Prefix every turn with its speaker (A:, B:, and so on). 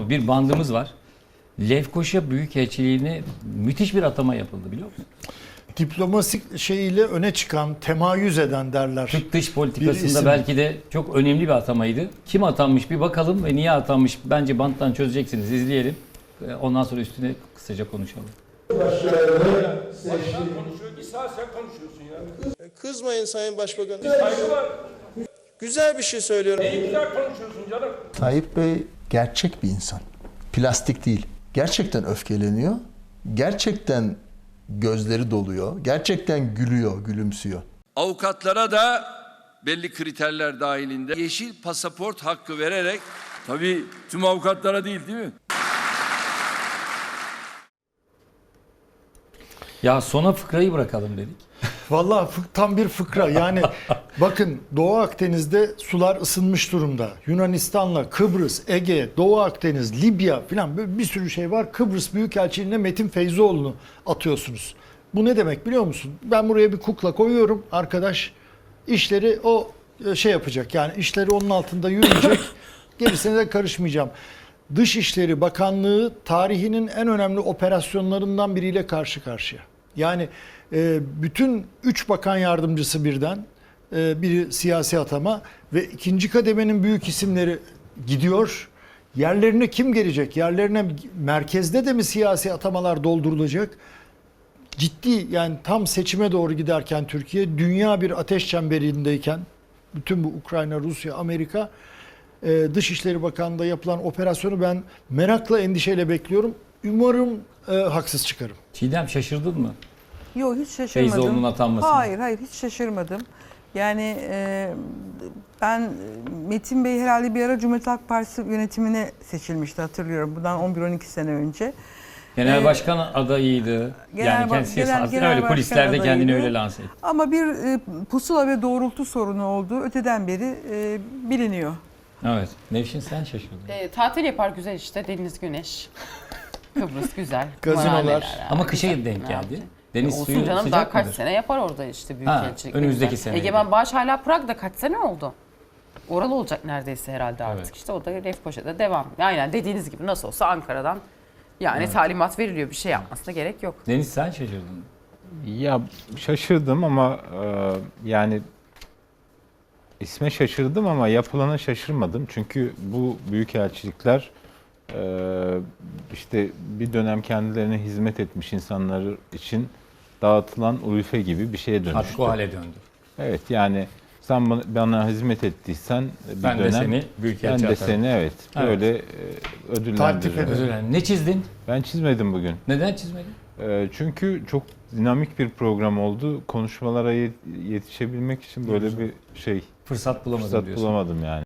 A: bir bandımız var. Lefkoşa Büyükelçiliğine müthiş bir atama yapıldı biliyor musun?
B: Diplomasi şeyiyle öne çıkan, temayüz eden derler.
A: Türk dış
B: Bir
A: politikasında
B: isim.
A: belki de çok önemli bir atamaydı. Kim atanmış bir bakalım ve niye atanmış bence banttan çözeceksiniz. İzleyelim. Ondan sonra üstüne kısaca konuşalım.
C: Başkan konuşuyor, bir saat sen konuşuyorsun ya.
D: Kızmayın Sayın Başbakan.
C: Saygı var.
D: Güzel bir şey söylüyorum.
C: Ne güzel konuşuyorsun canım.
E: Tayyip Bey gerçek bir insan. Plastik değil. Gerçekten öfkeleniyor. Gerçekten gözleri doluyor. Gerçekten gülüyor, gülümsüyor.
F: Avukatlara da belli kriterler dahilinde yeşil pasaport hakkı vererek, tabii tüm avukatlara değil mi?
A: Ya sona fıkrayı bırakalım dedik.
B: Vallahi tam bir fıkra. Yani bakın Doğu Akdeniz'de sular ısınmış durumda. Yunanistan'la Kıbrıs, Ege, Doğu Akdeniz, Libya falan böyle bir sürü şey var. Kıbrıs Büyükelçiliğine Metin Feyzoğlu'nu atıyorsunuz. Bu ne demek biliyor musun? Ben buraya bir kukla koyuyorum. Arkadaş işleri o şey yapacak. Yani işleri onun altında yürüyecek. Gerisine de karışmayacağım. Dışişleri Bakanlığı tarihinin en önemli operasyonlarından biriyle karşı karşıya. Yani bütün 3 bakan yardımcısı birden, biri siyasi atama ve ikinci kademenin büyük isimleri gidiyor. Yerlerine kim gelecek? Yerlerine merkezde de mi siyasi atamalar doldurulacak? Ciddi, yani tam seçime doğru giderken Türkiye, dünya bir ateş çemberindeyken, bütün bu Ukrayna, Rusya, Amerika, Dışişleri Bakanlığı'nda yapılan operasyonu ben merakla, endişeyle bekliyorum. Umarım haksız çıkarım.
A: Çiğdem şaşırdın mı?
G: Yok, hiç şaşırmadım.
A: Feyzoğlu'nun atanmasına.
G: Hayır hiç şaşırmadım. Yani ben Metin Bey herhalde bir ara Cumhuriyet Halk Partisi yönetimine seçilmişti, hatırlıyorum. Bundan 11-12 sene önce.
A: Genel başkan adayıydı. Yani kendisi öyle kulislerde kendini öyle lanse etti.
G: Ama bir pusula ve doğrultu sorunu olduğu öteden beri biliniyor.
A: Evet. Nevşin sen şaşırdın.
H: Tatil yapar güzel işte. Deniz, güneş. Kıbrıs güzel.
B: Gazinolar.
H: Kumarhaneler yani.
A: Ama kışa
H: Güzel.
A: denk
H: Ne
A: geldi.
H: yapacak?
A: Deniz
H: Olsun
A: suyu
H: canım,
A: sıcak
H: daha kaç
A: mıdır?
H: sene yapar orada işte büyükelçilik.
A: önümüzdeki
H: güzel.
A: sene.
H: Egemen Bağış hala Prag'da kaç sene oldu? Oralı olacak neredeyse herhalde artık.
A: Evet.
H: İşte o da Lefkoşa'da devam. Aynen dediğiniz gibi nasıl olsa Ankara'dan yani talimat veriliyor. Bir şey yapmasına gerek yok.
A: Deniz sen şaşırdın.
I: Ya şaşırdım ama yani isme şaşırdım ama yapılana şaşırmadım. Çünkü bu büyükelçilikler işte bir dönem kendilerine hizmet etmiş insanlar için dağıtılan ulufe gibi bir şeye dönüştü.
A: Artık o hale döndü.
I: Evet, yani sen bana hizmet ettiysen bir
A: Ben de
I: dönem
A: seni büyükelçi
I: ben de
A: atarım.
I: seni
A: Evet.
I: böyle
B: Takdir
I: ödüllendiririm.
B: ederim.
A: Özür dilerim. Ne çizdin?
I: Ben çizmedim bugün.
A: Neden çizmedin?
I: Çünkü çok dinamik bir program oldu. Konuşmalara yetişebilmek için böyle bir
A: Fırsat bulamadım
I: fırsat
A: diyorsun.
I: bulamadım yani.